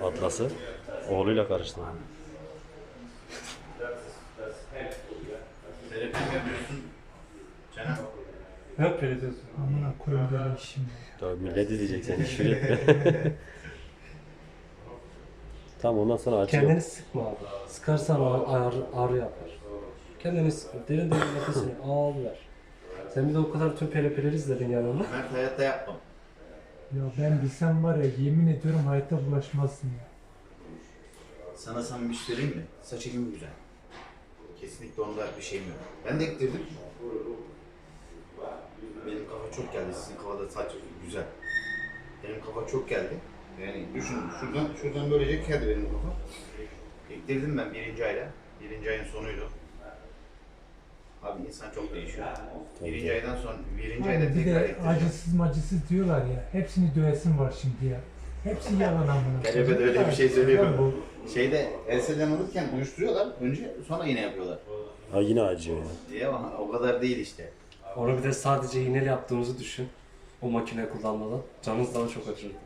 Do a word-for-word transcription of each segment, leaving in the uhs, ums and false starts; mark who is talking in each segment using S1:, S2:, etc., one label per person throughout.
S1: Atlas'ı. Oğluyla karıştı.
S2: Terapi mi yapıyorsun? Canım.
S3: Ne yapıyorsun?
S4: Amına koyayım böyle işim ya.
S1: Tabii millet izleyecek seni, küfür etme. Tamam, ondan sonra açıyor.
S3: Kendini sıkma abi. Sıkarsan ağrı, ağrı yapar. Kendini sıkma. Derin derin nefesini al ver. Sen bir de o kadar tüm pelepeleri izledin yanında.
S2: Mert hayatta yapmam.
S4: Ya ben bilsem var ya yemin ediyorum hayatta bulaşmazsın ya.
S2: Sana samimi bir şey söyleyeyim mi? Saç ekimi güzel. Kesinlikle onda bir şeyim yok. Ben de ektirdim. Benim kafa çok geldi. Sizin kafada saç güzel. Benim kafa çok geldi. Yani düşün, şuradan şuradan böylece geldi benim kafa. Ektirdim ben birinci ayda. Birinci ayın sonuydu. Abi insan çok değişiyor. Birinci aydan sonra, birinci ayda
S4: Abi bir
S2: tekrar
S4: de
S2: ektireceğim.
S4: acısız macısız diyorlar ya. Hepsini dövesim var şimdi ya. Hepsi yalan amına.
S2: Kelebek de öyle bir şey söylüyor.
S4: Ya bu.
S2: Şeyde enseden alırken uyuşturuyorlar önce, sonra yine yapıyorlar.
S1: Ha, yine acıyor ya.
S2: Diye ama o kadar değil işte.
S3: Onu bir de sadece iğneyle yaptığımızı düşün. O makine kullanmadan. Canınız daha çok acırdı.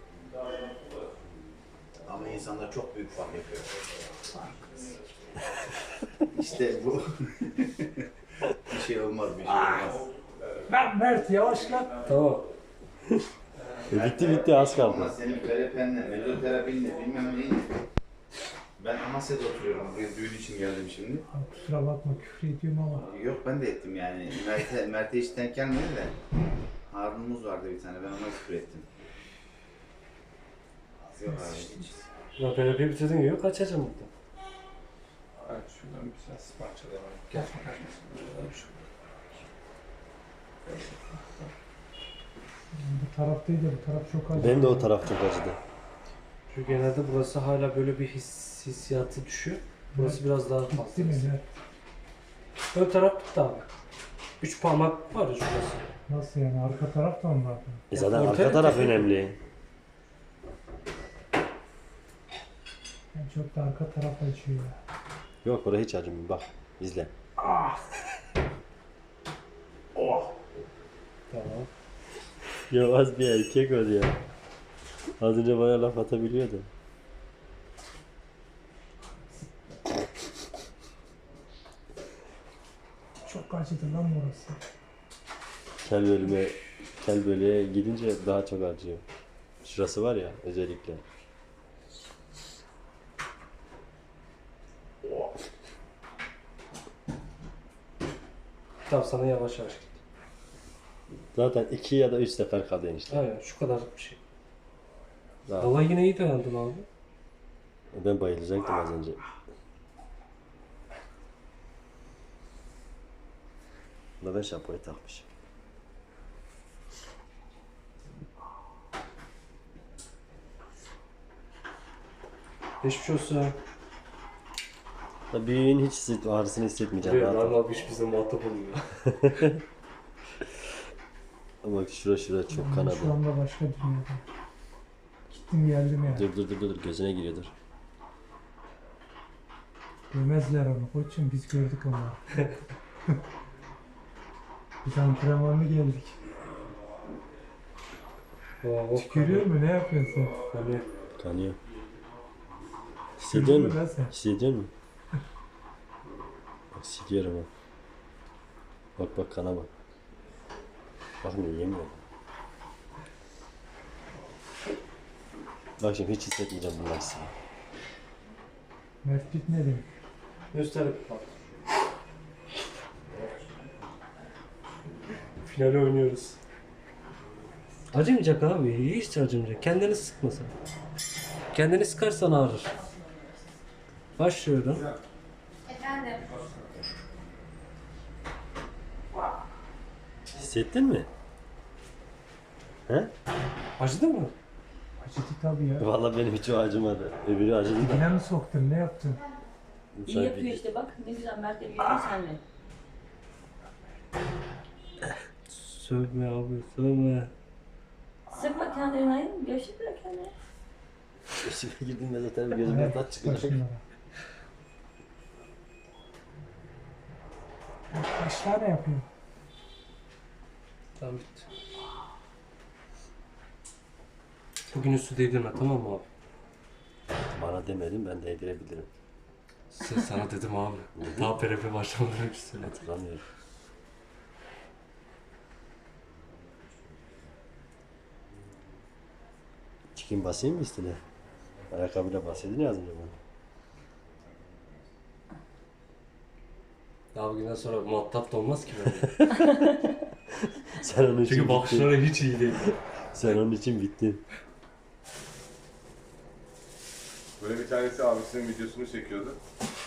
S2: Ama insanlar çok büyük fark yapıyor. İşte bu. Bir şey olmaz, bir şey olmaz.
S4: Lan Mert yavaş lan.
S3: Tamam.
S1: E, bitti bitti, az kaldı.
S2: Ama senin perepenle, mezoterapinle, bilmem neyinle. Ben Amasya'da oturuyorum. Buraya düğün için geldim şimdi.
S4: Abi kusura bakma küfür ediyorum ama.
S2: Yok ben de ettim yani. Mert'e, Mert'e hiç denk gelmedi de. Harun'umuz vardı bir tane, ben ona küfür ettim. Yok abi hiç.
S3: Ya pelepeyi bitirdin gibi kaçacağım burada.
S5: Evet, şuradan bir biraz parçalayalım. Gel.
S4: Bu taraftaydı bu taraf çok acı.
S1: Benim de o taraf çok acıdı.
S3: Çünkü genelde burası hala böyle bir his, hissiyatı düşüyor. Burası biraz daha fazla.
S4: Gitti mi Mert?
S3: Ön taraf bitti abi. Üç parmak var ya şurası.
S4: Nasıl yani arka taraf da mı vardı?
S1: E zaten
S3: ortaya
S1: arka taraf
S3: tepki-
S1: önemli.
S4: Yani çok da arka taraf acıyor ya.
S1: Yok, orada hiç acımıyor. Bak, izle.
S3: Tamam.
S1: Yavaş bir erkek ol ya. Az önce bana laf atabiliyordu.
S4: Çok acıdı lan burası.
S1: Kel bölüme, kel bölüğe gidince daha çok acıyor. Şurası var ya özellikle.
S3: Tamam sana yavaş yavaş git.
S1: Zaten iki ya da üç sefer kaldı enişte.
S3: Aynen şu kadarlık bir şey.
S1: Daha.
S3: Valla yine iyi dayandın abi.
S1: Ben bayılacaktım az önce. Da ben şapkayı takmışım.
S3: Geçmiş olsun.
S1: Da büyüğün hiç hisset, ağrısını hissetmeyeceğim.
S3: Evet,
S1: Rahat ol.
S3: Lan abi hiç bize muhatap olmuyor.
S1: Ama bak şura şura çok
S4: Ben
S1: kanadı.
S4: şu anda başka dünyada. Gittim geldim ya.
S1: Dur dur dur dur, gözüne giriyordur.
S4: Demezler onu koçum biz gördük onu. Biz antrenmanlı geldik. Tükürüyor mu ne yapıyorsun sen?
S3: Hani
S1: Kanıyor. Hissediyor
S4: Tükürdün mü lan
S1: musun?
S4: sen?
S1: Hissediyor musun? Bak siliyorum ha. Bak bak kana bak. Bak ne yemiyor. Bak şimdi hiç hissetmeyeceğim bunun acısını.
S4: Mert bitmedi mi?
S3: gösterip bak. Finali oynuyoruz. Acımayacak abi. Hiç acımayacak. Kendini sıkma sen. Kendini sıkarsan ağrır. Başlıyorum.
S6: Efendim.
S1: Hissettin mi? He?
S3: Acıdı mı?
S4: Acıdı tabii ya.
S1: Vallahi benim hiç o acımadı. Öbürü acıdı da.
S4: Yine mi soktun ne yaptın?
S6: İyi
S1: Sen
S6: yapıyor
S1: bir-
S6: işte bak ne güzel Mert yapıyor senle.
S3: Sövme abi sövme.
S6: Sıkma kendini ayın, gevşek bırak kendini.
S1: Gözüme girdiğinde zaten gözüme tat çıkıyor.
S4: Başına. Kaç tane yapıyor?
S3: Tamam bitti. Bugün üstü değdirme tamam mı abi?
S1: Sana demedim, ben değdirebilirim.
S3: Sen- Sana dedim abi. Daha P R P başlamadan önce söyledim.
S1: Hatırlamıyorum. Çıkayım basayım mı üstüne? Ayakkabıyla bahsedin ya az önce bana.
S3: Daha bugünden sonra muhatap da olmaz ki böyle.
S1: Sen onun için
S3: Çünkü
S1: bittin.
S3: bakışları hiç iyi değil.
S1: Sen onun için bittin.
S5: Böyle bir tanesi abisinin videosunu çekiyordu.